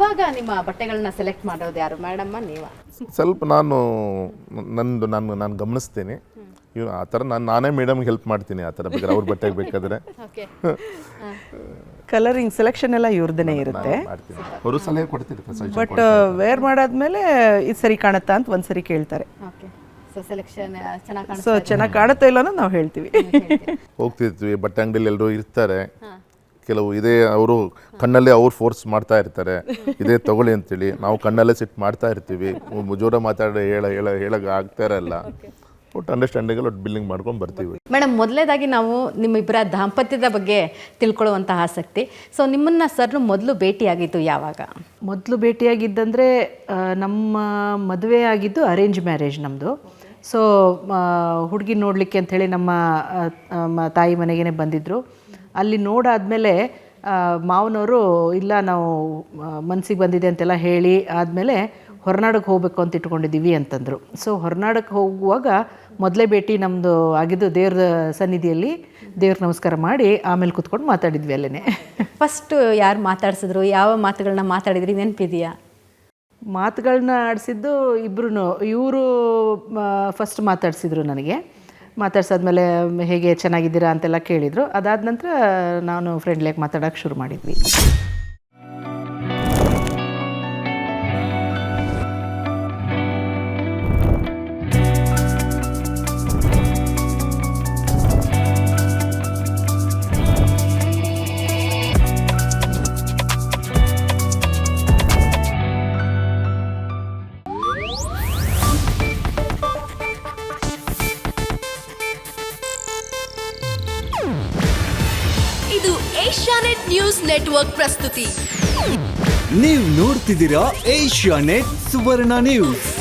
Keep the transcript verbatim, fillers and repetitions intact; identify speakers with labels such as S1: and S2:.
S1: ಇವಾಗ ನಿಮ್ಮ ಬಟ್ಟೆಗಳನ್ನ ಸೆಲೆಕ್ಟ್ ಮಾಡೋದು ಯಾರು, ಮೇಡಮ್ಮ ನೀವ?
S2: ಸ್ವಲ್ಪ ನಾನು ನಂದು ನಾನು ನಾನು ಗಮನಿಸ್ತೀನಿ ಇವ್ ಆ ಥರ ನಾನು ನಾನೇ ಮೇಡಮ್ಗೆ ಹೆಲ್ಪ್ ಮಾಡ್ತೀನಿ ಆ ಥರ ಬೇಕಾದ್ರೆ ಅವ್ರ ಬಟ್ಟೆಗೆ ಬೇಕಾದರೆ
S1: ಓಕೆ.
S3: ಕಲರಿಂಗ್ ಸೆಲೆಕ್ಷನ್ ಎಲ್ಲ ಇವ್ರದೇ ಇರುತ್ತೆ.
S2: ಮಾಡ್ತೀನಿ, ಅವರು ಸಲಹೆ ಕೊಡ್ತಿರ್ತಾರೆ.
S3: ಬಟ್ ವೇರ್ ಮಾಡಾದ್ಮೇಲೆ ಇದು ಸರಿ ಕಾಣುತ್ತಾ ಅಂತ ಒಂದ್ಸರಿ ಕೇಳ್ತಾರೆ.
S1: ಓಕೆ. ಸೊ ಸೆಲೆಕ್ಷನ್ ಚೆನ್ನಾಗಿ ಕಾಣಿಸ್ತಾ
S3: ಸೊ ಚೆನ್ನಾಗಿ ಕಾಣುತ್ತಾ ಇಲ್ಲ ಅನ್ನೋದು ನಾವು ಹೇಳ್ತೀವಿ.
S2: ಹೋಗ್ತಿರ್ತೀವಿ ಬಟ್ಟೆ ಅಂಗಡಿಯಲ್ಲಿ ಎಲ್ಲರೂ ಇರ್ತಾರೆ, ಕೆಲವು ಇದೇ ಅವರು ಕಣ್ಣಲ್ಲೇ ಅವ್ರು ಫೋರ್ಸ್ ಮಾಡ್ತಾ ಇರ್ತಾರೆ ಇದೇ ತಗೊಳ್ಳಿ ಅಂತೇಳಿ, ನಾವು ಕಣ್ಣಲ್ಲೇ ಸಿಟ್ಟು ಮಾಡ್ತಾ ಇರ್ತೀವಿ, ಜೋರ ಮಾತಾಡಿ ಹೇಳ ಹೇಳ ಹೇಳಕ್ಕೆ ಆಗ್ತಾ ಇರಲ್ಲ. ಒಟ್ಟು ಅಂಡರ್ಸ್ಟ್ಯಾಂಡಿಂಗಲ್ಲಿ ಒಟ್ಟು ಬಿಲ್ಲಿಂಗ್ ಮಾಡ್ಕೊಂಡು ಬರ್ತೀವಿ.
S1: ಮೇಡಮ್, ಮೊದಲನೇದಾಗಿ ನಾವು ನಿಮ್ಮಿಬ್ಬರ ದಾಂಪತ್ಯದ ಬಗ್ಗೆ ತಿಳ್ಕೊಳ್ಳುವಂಥ ಆಸಕ್ತಿ. ಸೊ ನಿಮ್ಮನ್ನು ಸರ್ ಮೊದಲು ಭೇಟಿಯಾಗಿದ್ದು ಯಾವಾಗ?
S3: ಮೊದಲು ಭೇಟಿಯಾಗಿದ್ದಂದರೆ ನಮ್ಮ ಮದುವೆ ಆಗಿದ್ದು ಅರೇಂಜ್ ಮ್ಯಾರೇಜ್ ನಮ್ಮದು. ಸೊ ಹುಡುಗಿ ನೋಡಲಿಕ್ಕೆ ಅಂಥೇಳಿ ನಮ್ಮ ಮ- ತಾಯಿ ಮನೆಗೇ ಬಂದಿದ್ದರು. ಅಲ್ಲಿ ನೋಡಾದಮೇಲೆ ಮಾವನವರು ಇಲ್ಲ ನಾವು ಮನಸ್ಸಿಗೆ ಬಂದಿದೆ ಅಂತೆಲ್ಲ ಹೇಳಿ ಆದಮೇಲೆ ಹೊರನಾಡಕ್ಕೆ ಹೋಗಬೇಕು ಅಂತ ಇಟ್ಕೊಂಡಿದ್ದೀವಿ ಅಂತಂದರು. ಸೊ ಹೊರನಾಡಕ್ಕೆ ಹೋಗುವಾಗ ಮೊದಲೇ ಭೇಟಿ ನಮ್ಮದು ಆಗಿದ್ದು ದೇವ್ರ ಸನ್ನಿಧಿಯಲ್ಲಿ ದೇವ್ರಿಗೆ ನಮಸ್ಕಾರ ಮಾಡಿ ಆಮೇಲೆ ಕೂತ್ಕೊಂಡು ಮಾತಾಡಿದ್ವಿ ಅಲ್ಲೇ.
S1: ಫಸ್ಟ್ ಯಾರು ಮಾತಾಡ್ಸಿದ್ರು, ಯಾವ ಮಾತುಗಳನ್ನ ಮಾತಾಡಿದ್ರಿ ನೆನಪಿದೆಯಾ?
S3: ಮಾತುಗಳನ್ನ ಆಡಿಸಿದ್ದು ಇಬ್ಬರು. ಇವರು ಫಸ್ಟ್ ಮಾತಾಡಿಸಿದ್ರು ನನಗೆ. ಮಾತಾಡ್ಸಾದ್ಮೇಲೆ ಹೇಗೆ ಚೆನ್ನಾಗಿದ್ದೀರಾ ಅಂತೆಲ್ಲ ಕೇಳಿದರು. ಅದಾದ ನಂತರ ನಾನು ಫ್ರೆಂಡ್ಲಿಯಾಗಿ ಮಾತಾಡೋಕ್ಕೆ ಶುರು ಮಾಡಿದ್ವಿ.
S4: ಇದು ಏಷ್ಯಾನೆಟ್ ನ್ಯೂಸ್ ನೆಟ್ವರ್ಕ್ ಪ್ರಸ್ತುತಿ.
S5: ನೀವು ನೋಡ್ತಿದ್ದೀರಾ ಏಷ್ಯಾನೆಟ್ ಸುವರ್ಣ ನ್ಯೂಸ್.